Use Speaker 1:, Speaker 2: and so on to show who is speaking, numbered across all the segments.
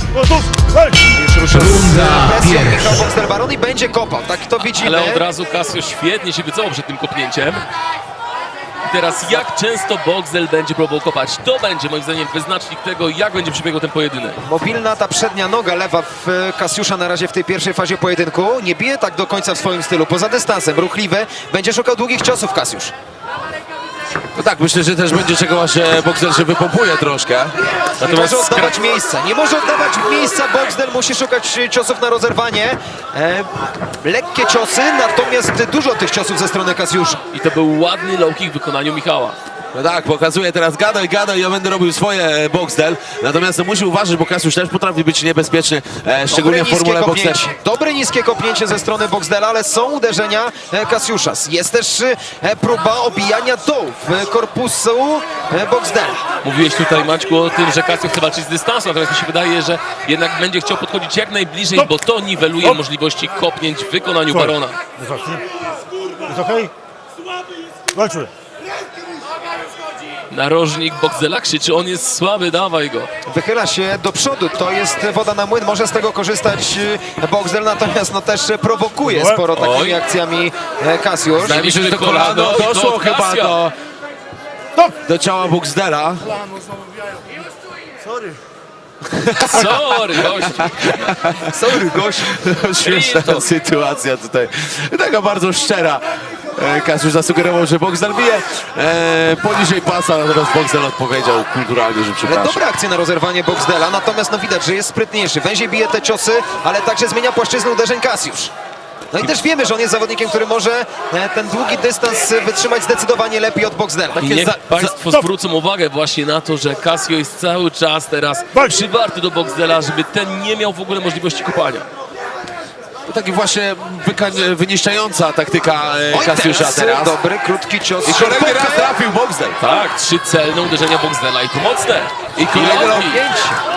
Speaker 1: Już ruszył
Speaker 2: Runda
Speaker 1: presją
Speaker 2: pierwsza.
Speaker 1: Michał Boxdel-Baron i będzie kopał, tak to widzimy.
Speaker 3: Ale od razu Casio świetnie się wycofał przed tym kopnięciem. I teraz jak często Boxdel będzie próbował kopać? To będzie moim zdaniem wyznacznik tego, jak będzie przebiegał ten pojedynek.
Speaker 1: Mobilna ta przednia noga lewa w Kasiusza na razie w tej pierwszej fazie pojedynku. Nie bije tak do końca w swoim stylu, poza dystansem, ruchliwy. Będzie szukał długich ciosów Kasiusz.
Speaker 4: No tak, myślę, że też będzie czego właśnie Boxdel się wypompuje troszkę.
Speaker 1: Nie może oddawać miejsca, nie może oddawać miejsca. Boxdel musi szukać ciosów na rozerwanie. Lekkie ciosy, natomiast dużo tych ciosów ze strony Kasiusza.
Speaker 3: I to był ładny low kick w wykonaniu Michała.
Speaker 4: No tak, pokazuje teraz gadaj, ja będę robił swoje Boxdel. Natomiast musi uważać, bo Kasiusz też potrafi być niebezpieczny, szczególnie w formule Boxdel.
Speaker 1: Dobre niskie kopnięcie ze strony Boxdela, ale są uderzenia Kasiusza. Jest też próba obijania dołów korpusu Boxdela.
Speaker 3: Mówiłeś tutaj, Maćku, o tym, że Casio chce walczyć z dystansu, natomiast mi się wydaje, że jednak będzie chciał podchodzić jak najbliżej, bo to niweluje możliwości kopnięć w wykonaniu Barona.
Speaker 5: Jest okej? Walczy.
Speaker 3: Narożnik Boxdela krzyczy, on jest słaby, dawaj go.
Speaker 1: Wychyla się do przodu, to jest woda na młyn, może z tego korzystać Boxdel, natomiast no też prowokuje sporo takimi
Speaker 3: Oj.
Speaker 1: akcjami Kasiusz.
Speaker 4: Wydaje mi się, że to kolano doszło chyba do ciała Boxdela.
Speaker 5: Sorry.
Speaker 3: Sorry, gościu.
Speaker 1: Sorry, gość.
Speaker 4: Śmieszna sytuacja tutaj. Taka bardzo szczera. Kasiusz zasugerował, że Boxdel bije poniżej pasa, natomiast Boxdel odpowiedział kulturalnie, że
Speaker 1: Ale
Speaker 4: przepraszam.
Speaker 1: dobra akcja na rozerwanie Boxdela, natomiast no widać, że jest sprytniejszy. Węziej bije te ciosy, ale także zmienia płaszczyznę uderzeń Kasiusz. No i też wiemy, że on jest zawodnikiem, który może ten długi dystans wytrzymać zdecydowanie lepiej od Boxdela.
Speaker 3: I niech Państwo zwrócą uwagę właśnie na to, że Casio jest cały czas teraz przywarty do Boxdela, żeby ten nie miał w ogóle możliwości kopania.
Speaker 4: To taki właśnie wyniszczająca taktyka
Speaker 1: Oj,
Speaker 4: Kasiusza teraz.
Speaker 1: dobry, krótki cios.
Speaker 4: I kolejny
Speaker 1: sierpowy.
Speaker 4: raz trafił Boxdel.
Speaker 3: Tak, 3 celne uderzenia Boxdela i to mocne.
Speaker 4: I kolejny
Speaker 3: low
Speaker 4: low
Speaker 3: kick.
Speaker 1: Pięć.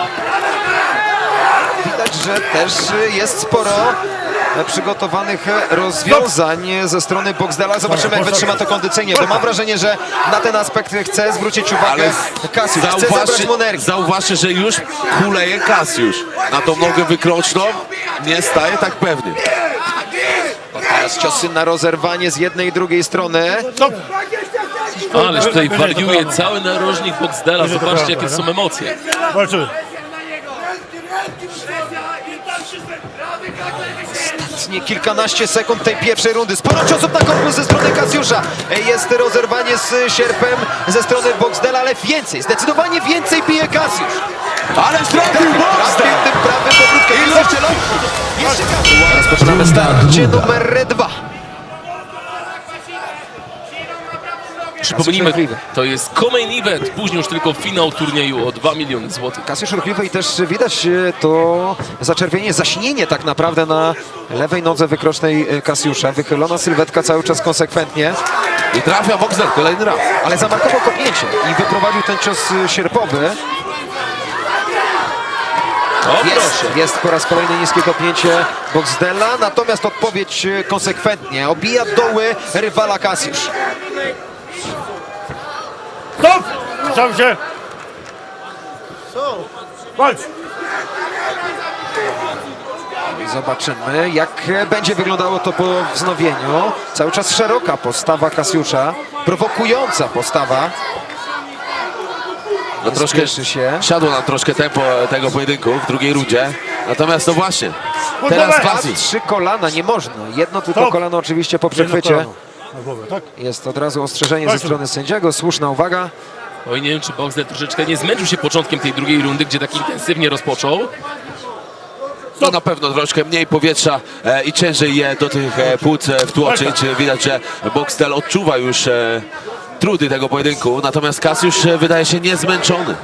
Speaker 1: Widać, że też jest sporo przygotowanych rozwiązań ze strony Boxdela. Zobaczymy, jak wytrzyma to kondycyjnie, bo mam wrażenie, że na ten aspekt chce zwrócić uwagę Kasiusz. Chce zabrać mu energię.
Speaker 4: Zauważcie, że już kuleje Kasiusz. Na tą nogę wykroczną nie staje tak pewnie.
Speaker 1: Teraz ciosy na rozerwanie z jednej i drugiej strony.
Speaker 3: Ależ tutaj wariuje cały narożnik Boxdela. Zobaczcie, jakie są emocje.
Speaker 5: Walczy.
Speaker 1: Ostatnie kilkanaście sekund tej pierwszej rundy. Sporo ciosów na korpus ze strony Kasiusza. Jest rozerwanie z sierpem ze strony Boxdela, ale więcej, zdecydowanie więcej bije Kasiusz.
Speaker 4: Ale trafił Boxdel!
Speaker 1: Trafił tym prawym powrótkiem. Jest jeszcze low. Jeszcze Kasiusz. Rozpoczynamy starcie numer 2.
Speaker 3: Przypomnijmy, to jest co-main event, później już tylko finał turnieju o 2 miliony złotych.
Speaker 1: Kasiusz ruchliwy i też widać to zaczerwienie, zaśnienie tak naprawdę na lewej nodze wykrocznej Kasiusza. Wychylona sylwetka cały czas konsekwentnie,
Speaker 4: I trafia Boxdel kolejny raz.
Speaker 1: ale zamarkował kopnięcie i wyprowadził ten cios sierpowy.
Speaker 3: O, proszę.
Speaker 1: Jest po raz kolejny niskie kopnięcie Boxdela, natomiast odpowiedź konsekwentnie. Obija doły rywala Kasiusz.
Speaker 5: Stop! Sam się. Walcz.
Speaker 1: Zobaczymy, jak będzie wyglądało to po wznowieniu. Cały czas szeroka postawa Kasiusza, prowokująca postawa.
Speaker 4: No troszkę
Speaker 1: Spieszy się.
Speaker 4: siadło nam troszkę tempo tego pojedynku w drugiej rundzie. Natomiast to właśnie, teraz Kasi.
Speaker 1: 3 kolana, nie można. Jedno tylko
Speaker 5: Stop.
Speaker 1: kolano oczywiście po
Speaker 5: Jedno
Speaker 1: przechwycie.
Speaker 5: kolano na głowę, tak?
Speaker 1: Jest od razu ostrzeżenie ze strony sędziego, słuszna uwaga.
Speaker 3: Oj, nie wiem, czy Boxdel troszeczkę nie zmęczył się początkiem tej drugiej rundy, gdzie tak intensywnie rozpoczął.
Speaker 4: No na pewno troszkę mniej powietrza i ciężej je do tych płuc wtłoczyć. Widać, że Boxdel odczuwa już trudy tego pojedynku, natomiast Kasiusz wydaje się niezmęczony.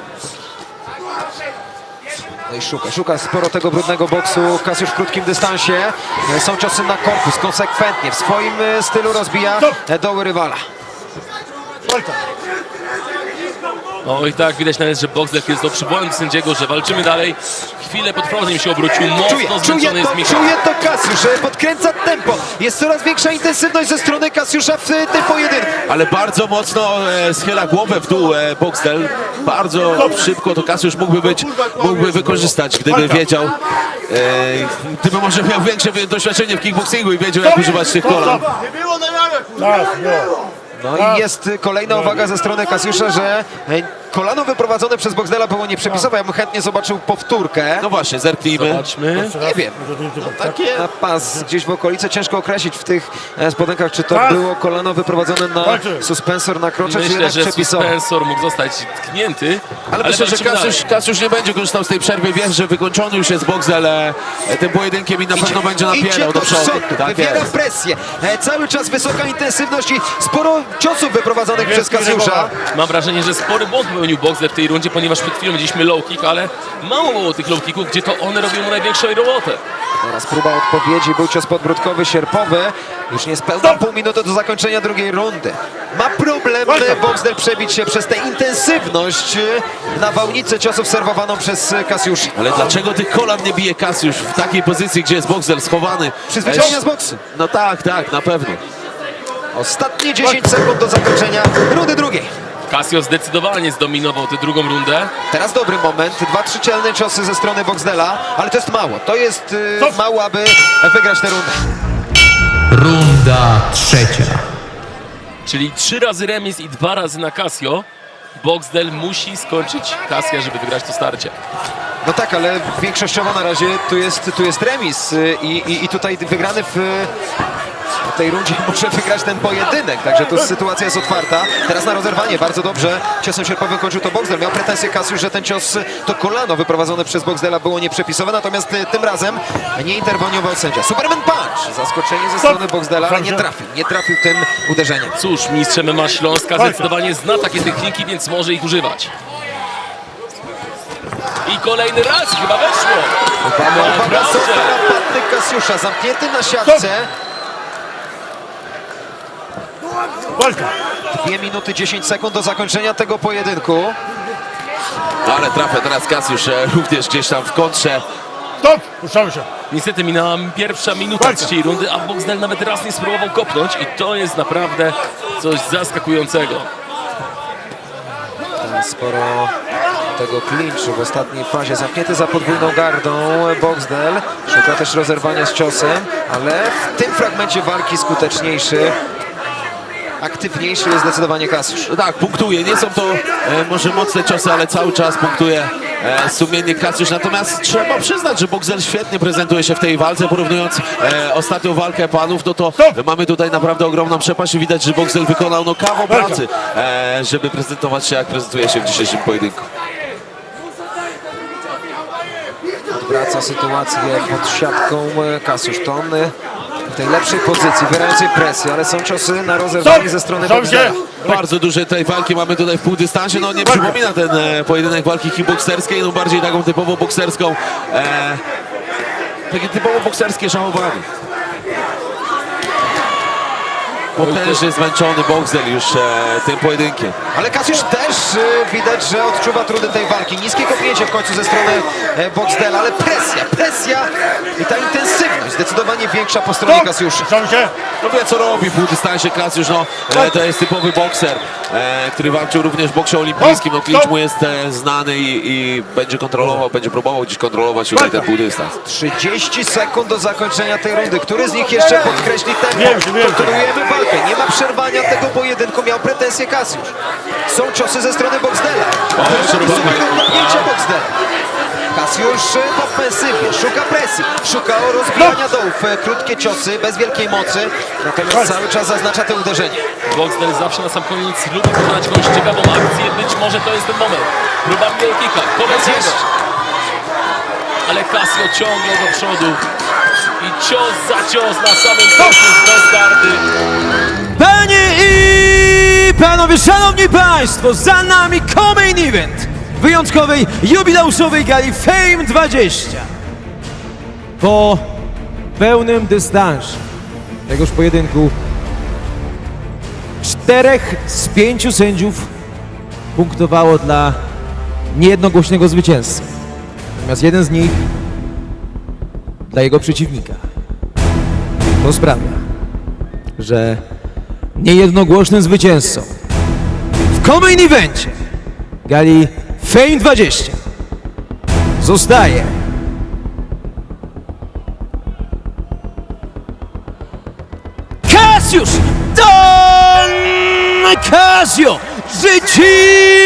Speaker 1: No i szuka sporo tego brudnego boksu. Kasiusz w krótkim dystansie. Są ciosy na korpus, konsekwentnie. W swoim stylu rozbija doły rywala.
Speaker 5: Walcz.
Speaker 3: No i tak widać nawet, że Boxdel jest to przywołany do sędziego, że walczymy dalej. Chwilę potrwało, zanim się obrócił. Mocno zmęczony jest Michał.
Speaker 1: Czuje to Kasiusz, podkręca tempo. Jest coraz większa intensywność ze strony Kasiusza w tym pojedynku.
Speaker 4: Ale bardzo mocno schyla głowę w dół Boxdel. Bardzo szybko to Kasiusz mógłby wykorzystać, gdyby wiedział, gdyby może miał większe doświadczenie w kickboxingu i wiedział, jak używać tych kolan.
Speaker 5: Tak, no.
Speaker 1: No i jest kolejna uwaga ze strony Kasiusza, że kolano wyprowadzone przez Boxdela było nieprzepisowe. Ja bym chętnie zobaczył powtórkę.
Speaker 4: No właśnie, zerknijmy.
Speaker 3: Zobaczmy.
Speaker 1: Nie wiem. Na pas gdzieś w okolicy ciężko określić w tych spodenkach, czy to
Speaker 5: Tak.
Speaker 1: było kolano wyprowadzone na suspensor na krocze, czy
Speaker 3: Myślę,
Speaker 1: jednak
Speaker 3: że
Speaker 1: przepisowe.
Speaker 3: suspensor mógł zostać tknięty.
Speaker 4: Ale myślę, że
Speaker 3: walczymy dalej.
Speaker 4: Kasiusz nie będzie korzystał z tej przerwy. Wie, że wykończony już jest Boxdel tym pojedynkiem i na pewno będzie napierał do przodu. Tak
Speaker 1: wywiera
Speaker 4: jest.
Speaker 1: presję. Cały czas wysoka intensywność i sporo ciosów wyprowadzonych przez Kasiusza.
Speaker 3: Mam wrażenie, że spory błąd popełnił Boxdel w tej rundzie, ponieważ przed chwilą widzieliśmy low kick, ale mało było tych low kicków, gdzie to one robią mu największą robotę.
Speaker 1: Teraz próba odpowiedzi, był cios podbródkowy, sierpowy. Już niespełna pół minuty do zakończenia drugiej rundy. Ma problem Boxdel przebić się przez tę intensywność nawałnicę ciosów serwowaną przez Kasiusza.
Speaker 4: Ale dlaczego tych kolan nie bije Kasiusz w takiej pozycji, gdzie jest Boxdel schowany?
Speaker 1: Przyzwyczajenia z boksu.
Speaker 4: No tak, na pewno.
Speaker 1: Ostatnie 10 sekund do zakończenia rundy drugiej.
Speaker 3: Casio zdecydowanie zdominował tę drugą rundę.
Speaker 1: Teraz dobry moment, 2-3 celne ciosy ze strony Boxdela, ale to jest mało. To jest mało, aby wygrać tę rundę.
Speaker 2: Runda trzecia.
Speaker 3: Czyli 3 razy remis i 2 razy na Casio. Boxdel musi skończyć Casia, żeby wygrać to starcie.
Speaker 1: No tak, ale większościowo na razie tu jest remis i tutaj wygrany w tej rundzie może wygrać ten pojedynek, także tu sytuacja jest otwarta. Teraz na rozerwanie, bardzo dobrze. Ciosem sierpowym kończył to Boxdel. Miał pretensję Kasiusz, że ten cios, to kolano wyprowadzone przez Boxdela było nieprzepisowe, natomiast tym razem nie interweniował sędzia. Superman Punch! Zaskoczenie ze strony Boxdela, ale nie trafił tym uderzeniem.
Speaker 3: Cóż, mistrz MMA Śląska zdecydowanie zna takie techniki, więc może ich używać. I kolejny raz chyba weszło.
Speaker 1: Uwaga,
Speaker 3: Naprawdę.
Speaker 1: są tarapaty Kasiusza, zamknięty na siatce.
Speaker 5: Walka.
Speaker 1: 2 minuty 10 sekund do zakończenia tego pojedynku.
Speaker 4: Ale trafia teraz Kasiusz również gdzieś tam w kontrze.
Speaker 5: Stop! Puszczamy się.
Speaker 3: Niestety minęła pierwsza minuta trzeciej rundy, a Boxdel nawet raz nie spróbował kopnąć i to jest naprawdę coś zaskakującego.
Speaker 1: Sporo tego klinczu w ostatniej fazie. Zamknięty za podwójną gardą Boxdel. Szuka też rozerwania z ciosem, ale w tym fragmencie walki skuteczniejszy, aktywniejszy jest zdecydowanie Kasiusz.
Speaker 4: No tak, punktuje. Nie są to może mocne ciosy, ale cały czas punktuje sumiennie Kasiusz. Natomiast trzeba przyznać, że Boxdel świetnie prezentuje się w tej walce. Porównując ostatnią walkę panów, no to mamy tutaj naprawdę ogromną przepaść i widać, że Boxdel wykonał no kawał pracy, żeby prezentować się jak prezentuje się w dzisiejszym pojedynku.
Speaker 1: Odwraca sytuację pod siatką Kasiusz. To on w tej lepszej pozycji, wywierającej presję, ale są ciosy na rozerwanie ze strony
Speaker 5: Puszczamy
Speaker 1: Boxdela.
Speaker 5: się.
Speaker 4: Bardzo duże tej walki mamy tutaj w półdystansie. No nie przypomina ten pojedynek walki kickbokserskiej, no bardziej taką typowo bokserską. Takie typowo bokserskie szachowanie. Potężnie zmęczony Boxdel już tym pojedynkiem.
Speaker 1: Ale Kasiusz też widać, że odczuwa trudy tej walki. Niskie kopnięcie w końcu ze strony Boxdela, ale presja i ta intensywność zdecydowanie większa po stronie Kasiusza.
Speaker 5: Puszczamy się.
Speaker 4: No wie co robi w półdystansie Kasiusz, no to jest typowy bokser, który walczył również w boksie olimpijskim. No klincz mu jest znany i będzie kontrolował, będzie próbował gdzieś kontrolować tutaj ten półdystans.
Speaker 1: 30 sekund do zakończenia tej rundy. Który z nich jeszcze podkreśli tempo?
Speaker 5: Wiem.
Speaker 1: Kontynuujemy walkę. Nie ma przerwania tego pojedynku. Miał pretensje Kasiusz. Są ciosy ze strony Boxdela. Kopnięcie Boxdela. Kasiusz w ofensywie. Szuka presji. Szuka rozbijania dołów. Krótkie ciosy, bez wielkiej mocy. Natomiast cały czas zaznacza te uderzenie.
Speaker 3: Boxdel zawsze na sam koniec lubi wykonać jakąś ciekawą akcję. Być może to jest ten moment. Próba wielkika, kolejnego. Ale Casio ciągle do przodu. I cios za cios na samym końcu z gardy.
Speaker 6: Panie i panowie, szanowni państwo, za nami main event wyjątkowej, jubileuszowej gali Fame 20. Po pełnym dystansie tegoż pojedynku 4 z 5 sędziów punktowało dla niejednogłośnego zwycięzcy. Natomiast jeden z nich dla jego przeciwnika. To sprawia, że niejednogłośnym zwycięzcą w co-main evencie gali Fame 20 zostaje Cassius Don Casio Życi